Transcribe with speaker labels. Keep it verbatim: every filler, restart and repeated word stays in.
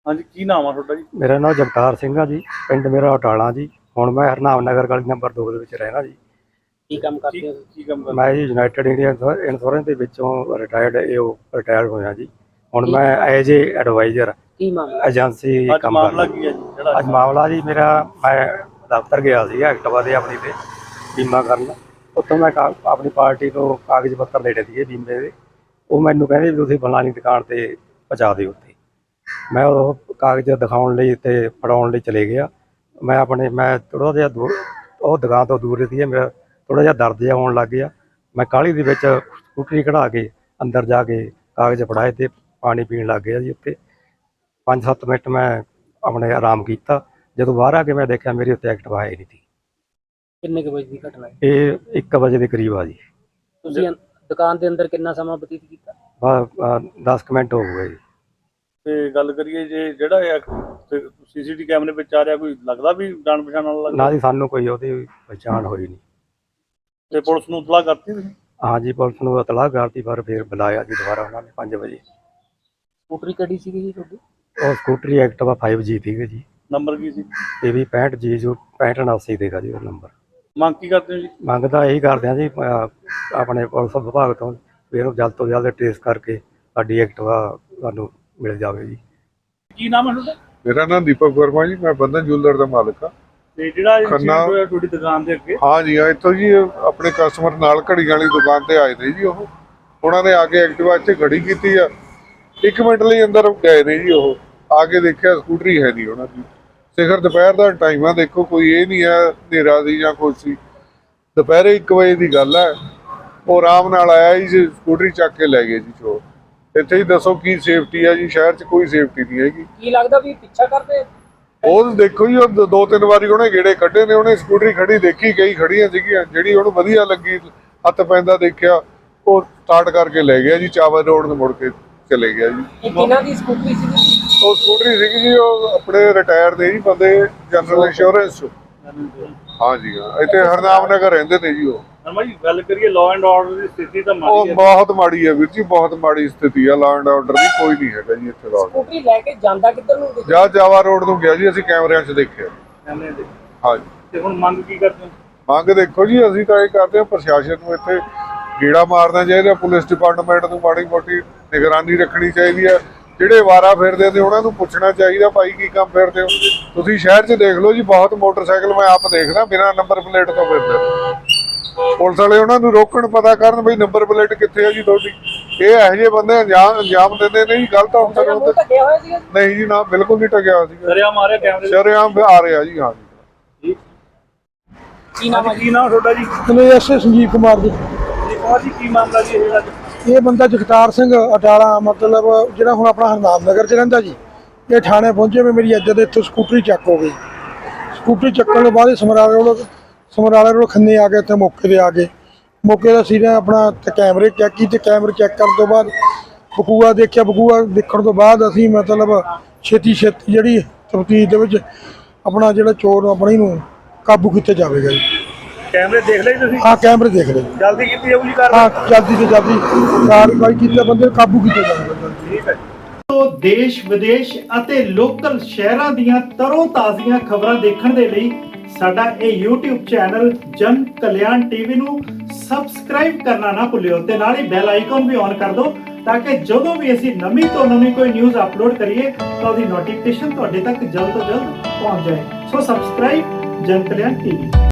Speaker 1: हाँ जी, की नाम है ਤੁਹਾਡਾ ਜੀ?
Speaker 2: ਮੇਰਾ ਨਾਮ ਜਗਤਾਰ ਸਿੰਘ ਆ ਜੀ। ਪਿੰਡ ਮੇਰਾ ਅਟਾਲਾ ਜੀ। ਹੁਣ ਮੈਂ ਹਰਨਾਮ ਨਗਰ ਗਲੀ ਨੰਬਰ ਦੋ ਦੇ ਵਿੱਚ ਰਹਿਣਾ ਜੀ।
Speaker 1: ਕੀ ਕੰਮ ਕਰਦੇ ਹੋ? ਕੀ ਕੰਮ ਕਰਦੇ?
Speaker 2: ਮੈਂ ਜੀ ਯੂਨਾਈਟਿਡ ਇੰਡੀਆ ਇੰਸ਼ੋਰੈਂਸ ਦੇ ਵਿੱਚੋਂ ਰਿਟਾਇਰਡ ਇਹ ਰਿਟਾਇਰ ਹੋਇਆ ਜੀ। ਹੁਣ ਮੈਂ ਐਜ ਏ ਐਡਵਾਈਜ਼ਰ
Speaker 1: ਕੀ ਮਾਮਲਾ
Speaker 2: ਏਜੰਸੀ ਕੰਮ
Speaker 1: ਮਾਮਲਾ
Speaker 2: ਕਰਦਾ।
Speaker 1: ਕੀ ਹੈ ਜੀ ਜਿਹੜਾ
Speaker 2: ਅੱਜ ਮਾਮਲਾ ਜੀ ਮੇਰਾ, ਮੈਂ ਦਫ਼ਤਰ ਗਿਆ ਸੀ ਐਕਟਿਵਾ ਦੇ ਆਪਣੀ ਤੇ ਬੀਮਾ ਕਰਨ। ਉੱਥੋਂ ਮੈਂ ਕਾ- ਆਪਣੀ ਪਾਰਟੀ ਤੋਂ ਕਾਗਜ਼ ਪੱਤਰ ਲੈਣੇ ਸੀਗੇ ਬੀਮੇ ਦੇ। ਉਹ ਮੈਨੂੰ ਕਹਿੰਦੇ ਵੀ ਤੁਸੀਂ ਫਲਾਣੀ ਦੁਕਾਨ ਤੇ ਪਹੁੰਚਾ ਦਿਓ ਉੱਥੇ। ਮੈਂ ਉਹ ਕਾਗਜ਼ ਦਿਖਾਉਣ ਲਈ ਤੇ ਫੜਾਉਣ ਲਈ ਚਲੇ ਗਿਆ। ਮੈਂ ਆਪਣੇ ਮੈਂ ਥੋੜ੍ਹਾ ਜਿਹਾ ਦੂਰ ਉਹ ਦੁਕਾਨ ਤੋਂ ਦੂਰ ਸੀ। ਮੇਰਾ ਥੋੜ੍ਹਾ ਜਿਹਾ ਦਰਦ ਜਿਹਾ ਹੋਣ ਲੱਗ ਗਿਆ। ਮੈਂ ਕਾਹਲੀ ਦੇ ਵਿੱਚ ਸਕੂਟਰੀ ਕਢਾ ਕੇ ਅੰਦਰ ਜਾ ਕੇ ਕਾਗਜ਼ ਫੜਾਏ ਤੇ ਪਾਣੀ ਪੀਣ ਲੱਗ ਗਿਆ ਜੀ। ਉੱਥੇ ਪੰਜ ਸੱਤ ਮਿੰਟ ਮੈਂ ਆਪਣੇ ਆਰਾਮ ਕੀਤਾ। ਜਦੋਂ ਬਾਹਰ ਆ ਕੇ ਮੈਂ ਦੇਖਿਆ ਮੇਰੀ ਉੱਤੇ ਐਕਟਿਵਾ ਹੈ ਨਹੀਂ ਸੀ।
Speaker 1: ਕਿੰਨੇ ਕੁ ਵਜੇ ਦੀ ਘਟਨਾ ਹੈ?
Speaker 2: ਇਹ ਇੱਕ ਵਜੇ ਦੇ ਕਰੀਬ ਆ ਜੀ।
Speaker 1: ਤੁਸੀਂ ਦੁਕਾਨ ਦੇ ਅੰਦਰ ਕਿੰਨਾ ਸਮਾਂ ਬਤੀਤ ਕੀਤਾ?
Speaker 2: ਬਸ ਦਸ ਕੁ ਮਿੰਟ ਹੋ ਗਏ ਜੀ।
Speaker 1: ਤੇ ਗੱਲ ਕਰੀਏ ਜੇ ਜਿਹੜਾ ਇਹ ਸੀਸੀਟੀ ਕੈਮਰੇ ਵਿੱਚ ਆ ਰਿਹਾ, ਕੋਈ ਲੱਗਦਾ ਵੀ ਜਾਣ ਪਛਾਣ ਵਾਲਾ ਲੱਗਦਾ?
Speaker 2: ਨਾ ਜੀ, ਸਾਨੂੰ ਕੋਈ ਉਹਦੀ ਪਛਾਣ ਹੋਈ ਨਹੀਂ।
Speaker 1: ਤੇ ਪੁਲਿਸ ਨੂੰ ਇਤਲਾਹ ਕਰਤੀ ਤੁਸੀਂ?
Speaker 2: ਹਾਂ ਜੀ, ਪੁਲਿਸ ਨੂੰ ਇਤਲਾਹ ਕਰਤੀ, ਪਰ ਫਿਰ ਬੁਲਾਇਆ ਜੀ ਦੁਬਾਰਾ ਉਹਨਾਂ ਨੇ ਪੰਜ ਵਜੇ।
Speaker 1: ਸਕੂਟਰੀ ਕਿਹੜੀ ਸੀਗੀ ਜੀ ਤੁਹਾਡੀ?
Speaker 2: ਉਹ ਸਕੂਟਰੀ ਐਕਟਿਵਾ ਫਾਈਵ ਜੀ ਸੀਗੇ ਜੀ।
Speaker 1: ਨੰਬਰ ਕੀ ਸੀ?
Speaker 2: ਇਹ ਵੀ ਪੈਂਹਠ ਜੀ ਜੋ ਪੈਂਹਠ ਉਨਾਸੀ ਦੇਗਾ ਜੀ ਉਹ ਨੰਬਰ।
Speaker 1: ਮੰਗ ਕੀ ਕਰਦੇ ਹੋ ਜੀ?
Speaker 2: ਮੰਗਦਾ ਇਹੀ ਕਰਦੇ ਹਾਂ ਜੀ, ਅਹ ਆਪਣੇ ਪੁਲਿਸ ਵਿਭਾਗ ਤੋਂ ਵੀ ਇਹਨੂੰ ਜਲਦ ਤੋਂ ਜਲਦ ਟ੍ਰੇਸ ਕਰਕੇ ਸਾਡੀ ਐਕਟਿਵਾ ਸਾਨੂੰ ਮਿਲ ਜਾਵੇ ਜੀ।
Speaker 1: ਕੀ ਨਾਮ ਹੈ ਤੁਹਾਡਾ?
Speaker 3: ਮੇਰਾ ਨਾਮ ਦੀਪਕ ਵਰਮਾ ਜੀ। ਮੈਂ ਬੰਧਨ ਜੁਐਲਰ ਦਾ ਮਾਲਕ ਹਾਂ।
Speaker 1: ਤੇ ਜਿਹੜਾ
Speaker 3: ਖੰਨਾ
Speaker 1: ਹੋਇਆ ਤੁਹਾਡੀ ਦੁਕਾਨ ਦੇ ਅੱਗੇ?
Speaker 3: ਹਾਂ ਜੀ, ਹਾਂ ਇੱਥੋਂ ਜੀ ਆਪਣੇ ਕਸਟਮਰ ਨਾਲ ਘੜੀਆਂ ਵਾਲੀ ਦੁਕਾਨ ਤੇ ਆਏ ਨੇ ਜੀ। ਉਹ ਉਹਨਾਂ ਨੇ ਆ ਕੇ ਐਕਟਿਵਾ ਇੱਥੇ ਖੜੀ ਕੀਤੀ ਆ। ਇੱਕ ਮਿੰਟ ਲਈ ਅੰਦਰ ਗਏ ਨੇ ਜੀ। ਉਹ ਆ ਕੇ ਦੇਖਿਆ ਸਕੂਟਰੀ ਹੈ ਨਹੀਂ ਉਹਨਾਂ ਦੀ। ਸਿਖਰ ਦੁਪਹਿਰ ਦਾ ਟਾਈਮ ਆ, ਦੇਖੋ ਕੋਈ ਇਹ ਨਹੀਂ ਹੈ ਹਨੇਰਾ ਸੀ ਜਾਂ ਕੁਛ ਸੀ। ਦੁਪਹਿਰੇ ਇੱਕ ਵਜੇ ਦੀ ਗੱਲ ਹੈ। ਉਹ ਆਰਾਮ ਨਾਲ ਆਇਆ ਜੀ, ਸਕੂਟਰੀ ਚੱਕ ਕੇ ਲੈ ਗਏ ਜੀ ਚੋਰ। ਇੱਥੇ ਹੀ ਦੱਸੋ ਕੀ ਸੇਫਟੀ ਹੈ ਜੀ? ਸ਼ਹਿਰ 'ਚ ਕੋਈ ਸੇਫਟੀ ਨਹੀਂ ਹੈਗੀ।
Speaker 1: ਕੀ ਲੱਗਦਾ ਵੀ ਪਿੱਛਾ ਕਰਦੇ?
Speaker 3: ਉਹ ਦੇਖੋ ਜੀ, ਉਹ ਦੋ ਤਿੰਨ ਵਾਰੀ ਉਹਨੇ ਗੇੜੇ ਕੱਢੇ ਨੇ। ਉਹਨੇ ਸਕੂਟਰੀ ਖੜੀ ਦੇਖੀ, ਕਈ ਖੜੀਆਂ ਸੀਗੀਆਂ, ਜਿਹੜੀ ਉਹਨੂੰ ਵਧੀਆ ਲੱਗੀ ਹੱਥ ਪੈਂਦਾ ਦੇਖਿਆ, ਉਹ ਸਟਾਰਟ ਕਰਕੇ ਲੈ ਗਿਆ ਜੀ। ਚਾਵਲ ਰੋਡ ਨੂੰ ਮੁੜ ਕੇ ਚਲੇ ਗਿਆ ਜੀ।
Speaker 1: ਇਹ ਕਿਹਨਾਂ ਦੀ ਸਕੂਟਰੀ ਸੀ?
Speaker 3: ਉਹ ਸਕੂਟਰੀ ਸੀਗੀ ਜੀ, ਉਹ ਆਪਣੇ ਰਿਟਾਇਰ ਦੇ ਜੀ ਬੰਦੇ, ਜਨਰਲ ਇੰਸ਼ੋਰੈਂਸ। ਹਾਂ ਜੀ, ਹਾਂ ਇੱਥੇ ਹਰਨਾਮ ਨਗਰ ਰਹਿੰਦੇ ਨੇ ਜੀ ਉਹ।
Speaker 1: ਹਰਮਾ ਜੀ, ਗੱਲ ਕਰੀਏ ਲਾਅ ਐਂਡ ਆਰਡਰ ਦੀ ਸਥਿਤੀ ਤਾਂ
Speaker 3: ਉਹ
Speaker 1: ਮਾੜੀ ਹੈ।
Speaker 3: ਬਹੁਤ ਮਾੜੀ ਹੈ ਵੀਰ ਜੀ, ਬਹੁਤ ਮਾੜੀ ਸਥਿਤੀ ਆ। ਲਾਅ ਐਂਡ ਆਰਡਰ ਦੀ ਕੋਈ ਨਹੀਂ ਹੈਗਾ ਜੀ ਇੱਥੇ। ਲਾਅ
Speaker 1: ਸਕੂਟਰੀ ਲੈ ਕੇ ਜਾਂਦਾ ਕਿੱਧਰ ਨੂੰ?
Speaker 3: ਜਾਂ ਜਾਵਾ ਰੋਡ ਨੂੰ ਗਿਆ ਜੀ, ਅਸੀਂ ਕੈਮਰਿਆਂ 'ਚ ਦੇਖਿਆ।
Speaker 1: ਕੈਮਰੇ ਦੇ।
Speaker 3: ਹਾਂ ਜੀ।
Speaker 1: ਤੇ ਹੁਣ ਮੰਗ ਕੀ ਕਰਦੇ ਹੋ?
Speaker 3: ਮੰਗ ਦੇਖੋ ਜੀ, ਅਸੀਂ ਤਾਂ ਇਹ ਕਰਦੇ ਹਾਂ ਪ੍ਰਸ਼ਾਸਨ ਨੂੰ ਇੱਥੇ ਗੇੜਾ ਮਾਰਨਾ ਚਾਹੀਦਾ। ਪੁਲਿਸ ਡਿਪਾਰਟਮੈਂਟ ਨੂੰ ਮਾੜੀ ਮੋਟੀ ਨਿਗਰਾਨੀ ਰੱਖਣੀ ਚਾਹੀਦੀ ਹੈ। ਜਿਹੜੇ ਵਾਰਾ ਫਿਰਦੇ ਨੇ ਉਹਨਾਂ ਨੂੰ ਪੁੱਛਣਾ ਚਾਹੀਦਾ, ਭਾਈ ਕੀ ਕੰਮ ਫਿਰਦੇ ਹੋ ਤੁਸੀਂ? ਸ਼ਹਿਰ 'ਚ ਦੇਖ ਲਓ ਜੀ, ਬਹੁਤ ਮੋਟਰਸਾਈਕਲ ਮੈਂ ਆਪ ਦੇਖਦਾ ਬਿਨਾਂ ਨੰਬਰ ਪਲੇਟ ਤੋਂ ਫਿਰਦੇ। ਪੁਲਿਸ ਵਾਲੇ ਉਹਨਾਂ ਨੂੰ ਰੋਕਣ, ਪਤਾ ਕਰਨ ਬਈ ਨੰਬਰ ਪਲੇਟ ਕਿੱਥੇ ਹੈ ਜੀ ਤੁਹਾਡੀ। ਇਹ ਇਹੋ ਜਿਹੇ ਬੰਦੇ ਅੰਜਾਮ ਅੰਜਾਮ ਦਿੰਦੇ ਨੇ ਜੀ ਗਲਤ ਅਫਸਰ ਹੁੰਦੇ। ਨਹੀਂ ਜੀ, ਨਾ ਬਿਲਕੁਲ ਨਹੀਂ ਟਕਿਆ ਸੀ।
Speaker 1: ਸ਼ਰੇਆਮ ਆ ਰਿਹਾ ਕੈਮਰੇ?
Speaker 3: ਸ਼ਰੇਆਮ ਆ ਰਿਹਾ ਜੀ। ਹਾਂ ਜੀ।
Speaker 1: ਕੀ ਨਾਮ ਹੈ? ਕੀ ਨਾਮ ਤੁਹਾਡਾ ਜੀ?
Speaker 4: ਮੈਨੂੰ ਐਸ ਸੰਜੀਵ ਕੁਮਾਰ ਜੀ।
Speaker 1: ਸੰਜੀਵ ਕੁਮਾਰ ਜੀ, ਕੀ ਮਾਮਲਾ ਜੀ ਇਹ?
Speaker 4: ਇਹ ਬੰਦਾ ਜਗਤਾਰ ਸਿੰਘ ਅਟਾਲਾ, ਮਤਲਬ ਜਿਹੜਾ ਹੁਣ ਆਪਣਾ ਹਰਨਾਮ ਨਗਰ 'ਚ ਰਹਿੰਦਾ ਜੀ। ਇਹ ਥਾਣੇ ਪਹੁੰਚੇ ਵੀ ਮੇਰੀ ਇੱਜ਼ਤ ਇੱਥੋਂ ਸਕੂਟਰੀ ਚੱਕ ਹੋ ਗਈ। ਸਕੂਟਰੀ ਚੱਕਣ ਤੋਂ ਬਾਅਦ ਸਮਰਾਲੇ ਰੋਡ ਸਮਰਾਲੇ ਰੋਡ ਖੰਨੇ ਆ ਕੇ ਇੱਥੇ ਮੌਕੇ 'ਤੇ ਆ ਗਏ। ਮੌਕੇ ਦਾ ਸੀ ਆਪਣਾ ਤੇ ਕੈਮਰੇ ਚੈੱਕ ਕੀਤੇ। ਕੈਮਰੇ ਚੈੱਕ ਕਰਨ ਤੋਂ ਬਾਅਦ ਬਕੂਆ ਦੇਖਿਆ। ਬਕੂਆ ਦੇਖਣ ਤੋਂ ਬਾਅਦ ਅਸੀਂ ਮਤਲਬ ਛੇਤੀ ਛੇਤੀ ਜਿਹੜੀ ਤਫਤੀਸ਼ ਦੇ ਵਿੱਚ ਆਪਣਾ ਜਿਹੜਾ ਚੋਰ ਆਪਣੀ ਨੂੰ ਕਾਬੂ ਕੀਤਾ ਜਾਵੇਗਾ ਜੀ।
Speaker 1: ਕੈਮਰੇ ਦੇਖ ਲਏ ਤੁਸੀਂ?
Speaker 4: ਹਾਂ, ਕੈਮਰੇ ਦੇਖ ਲਏ।
Speaker 1: ਜਲਦੀ ਕੀਤੀ ਜਾਊਗੀ ਕਾਰ?
Speaker 4: ਹਾਂ, ਜਲਦੀ ਤੋਂ ਜਲਦੀ ਕਾਰਵਾਈ ਕੀਤੀ, ਬੰਦੇ ਨੂੰ ਕਾਬੂ ਕੀਤਾ ਜਾਵੇਗਾ।
Speaker 1: ਠੀਕ ਹੈ।
Speaker 5: ਤੋਂ ਦੇਸ਼ ਵਿਦੇਸ਼ ਅਤੇ ਲੋਕਲ ਸ਼ਹਿਰਾਂ ਦੀਆਂ ਤਰੋ ਤਾਜ਼ੀਆਂ ਖਬਰਾਂ ਦੇਖਣ ਦੇ ਲਈ ਸਾਡਾ ਇਹ YouTube ਚੈਨਲ ਜਨ ਕਲਿਆਣ ਟੀਵੀ ਨੂੰ ਸਬਸਕ੍ਰਾਈਬ ਕਰਨਾ ਨਾ ਭੁੱਲਿਓ ਤੇ ਨਾਲ ਹੀ ਬੈਲ ਆਈਕਨ ਵੀ ਔਨ ਕਰ ਦਿਓ, ਤਾਂ ਕਿ ਜਦੋਂ ਵੀ ਅਸੀਂ ਨਵੀਂ ਤੋਂ ਨਵੀਂ ਕੋਈ ਨਿਊਜ਼ ਅਪਲੋਡ ਕਰੀਏ ਤਾਂ ਉਹਦੀ ਨੋਟੀਫਿਕੇਸ਼ਨ ਤੁਹਾਡੇ ਤੱਕ ਜਲਦ ਤੋਂ ਜਲਦ ਪਹੁੰਚ ਜਾਏ। ਸੋ ਸਬਸਕ੍ਰਾਈਬ ਜਨ ਕਲਿਆਣ ਟੀਵੀ।